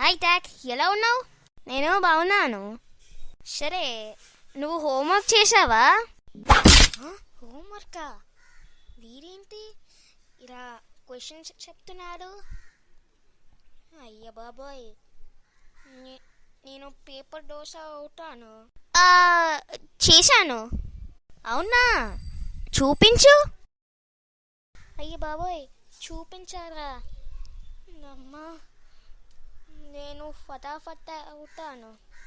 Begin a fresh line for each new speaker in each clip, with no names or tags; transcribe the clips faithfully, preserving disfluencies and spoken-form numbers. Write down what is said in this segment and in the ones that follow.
Hi talk, ఎలా ఉన్నావు? నేను బాగున్నాను. సరే, నువ్వు హోంవర్క్ చేసావా? హోంవర్కా? వీరేంటి ఇలా క్వశ్చన్స్ చెప్తున్నాడు? అయ్య బాబోయ్, నేను పేపర్ దోశ అవుతాను. చేశాను. అవునా? చూపించు. అయ్య బాబోయ్, చూపించారా? అమ్మా, నేను ఫటాఫట్ అవుతాను.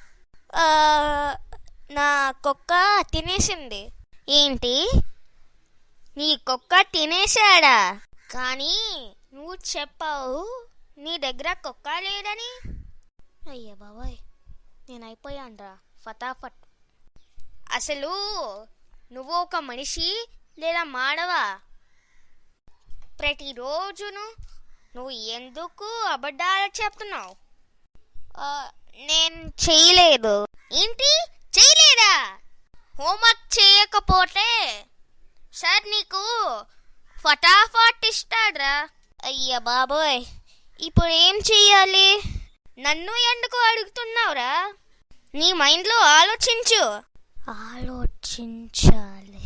నా కుక్క తినేసింది. ఏంటి? నీ కుక్క తినేశాడా? కానీ నువ్వు చెప్పావు నీ దగ్గర కుక్క లేదని. అయ్య బాబోయ్, నేను అయిపోయానురా ఫటాఫట్. అసలు నువ్వు ఒక మనిషి లేదా మానవా? ప్రతిరోజును నువ్వు ఎందుకు అబద్ధాలు చెప్తున్నావు? నేను చేయలేదు. ఏంటి చేయలేదా? హోంవర్క్ చేయకపోతే సార్ నీకు ఫటాఫట్ ఇస్తాడ్రా. అయ్య బాబోయ్, ఇప్పుడు ఏం చెయ్యాలి? నన్ను ఎందుకు అడుగుతున్నావురా? నీ మైండ్లో ఆలోచించు. ఆలోచించాలి.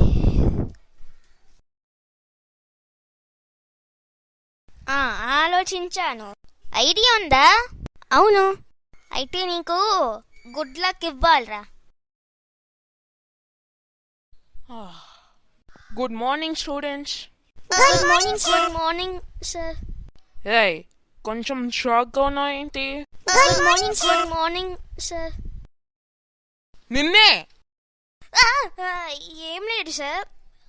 ఆలోచించాను. ఐడియా ఉందా? అవును. అయితే నీకు గుడ్ లక్ ఇవ్వాలరా.
Good morning students.
Good morning. Good morning sir.
ఏయ్, కొంచెం షాక్గా ఉన్నావు ఏంటి?
Good morning. Good morning sir.
నిన్నే.
ఏం లేదు సార్.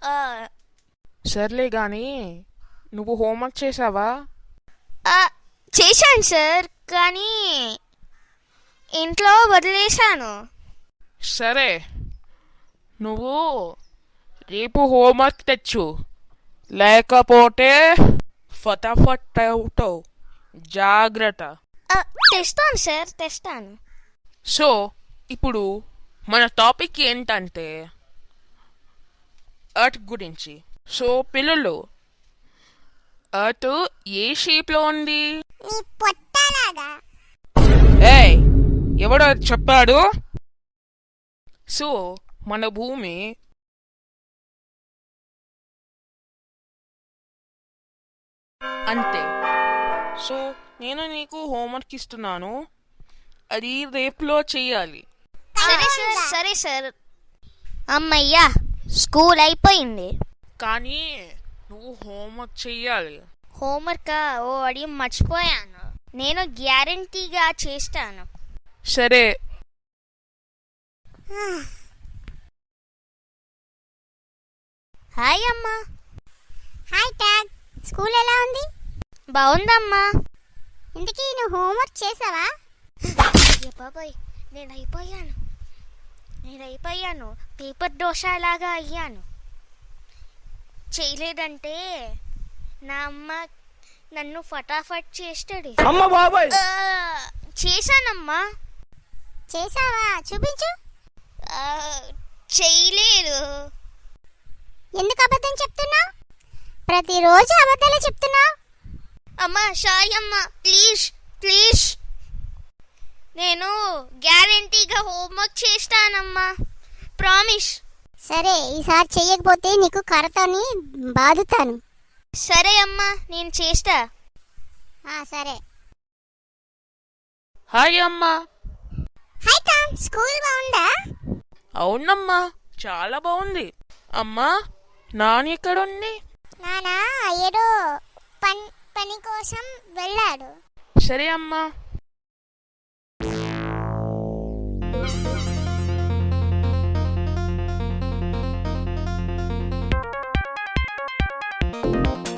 సర్లే గాని నువ్వు హోంవర్క్ చేసావా?
చేశాను సార్, కానీ ఇంట్లో వదిలేశాను.
సరే, నువ్వు రేపు హోంవర్క్ తెచ్చు, లేకపోతే ఫటాఫట్ అవుతావు. జాగ్రత్త.
తెస్తాను సార్, తెస్తాను.
సో ఇప్పుడు మన టాపిక్ ఏంటంటే ఎర్త్ గురించి. సో పిల్లలు, ఎర్త్ ఏ షేప్లో ఉంది? ఏయ్, ఎవడో చెప్పాడు? సో మన భూమి అంతే. సో నేను నీకు హోంవర్క్ ఇస్తున్నాను, అది రేపులో చెయ్యాలి.
సరే సార్. సరే సార్. అమ్మయ్యా, స్కూల్ అయిపోయింది.
కానీ నువ్వు హోంవర్క్ చెయ్యాలి.
హోంవర్క్ ఓ అడి మర్చిపోయాను. నేను గ్యారంటీగా చేస్తాను.
సరే.
హాయ్ అమ్మా.
హాయ్ టాగ్, స్కూల్ ఎలా ఉంది?
బాగుందమ్మా.
ఇంతకీ నువ్వు హోంవర్క్ చేసావా?
బాబాయ్, నేను అయిపోయాను. నేను అయిపోయాను పేపర్ దోశ లాగా అయ్యాను. చేయలేదంటే నా అమ్మ నన్ను ఫటాఫట్ చేస్తాడు. చేశానమ్మా.
చేసావా? చూపించు.
చేయలేదు.
ఎందుకు అబద్ధం చెప్తున్నావు? ప్రతిరోజు అబద్ధాలే చెప్తున్నావు.
అమ్మా సారీ అమ్మా, ప్లీజ్ ప్లీజ్. నేను గ్యారంటీగా హోంవర్క్ చేస్తానమ్మా, ప్రామిస్.
సరే, ఈసారి చెయ్యకపోతే నీకు కర్రతోని బాదుతాను.
సరే అమ్మా, నేను చేస్తా.
సరే.
హాయ్ అమ్మా.
హాయ్ టామ్, స్కూల్ బాగుందా?
అవునమ్మా, చాలా బాగుంది. అమ్మా, నాని ఎక్కడుంది?
నానా ఏదో పని పని కోసం వెళ్ళాడు.
సరే అమ్మా.
Thank you.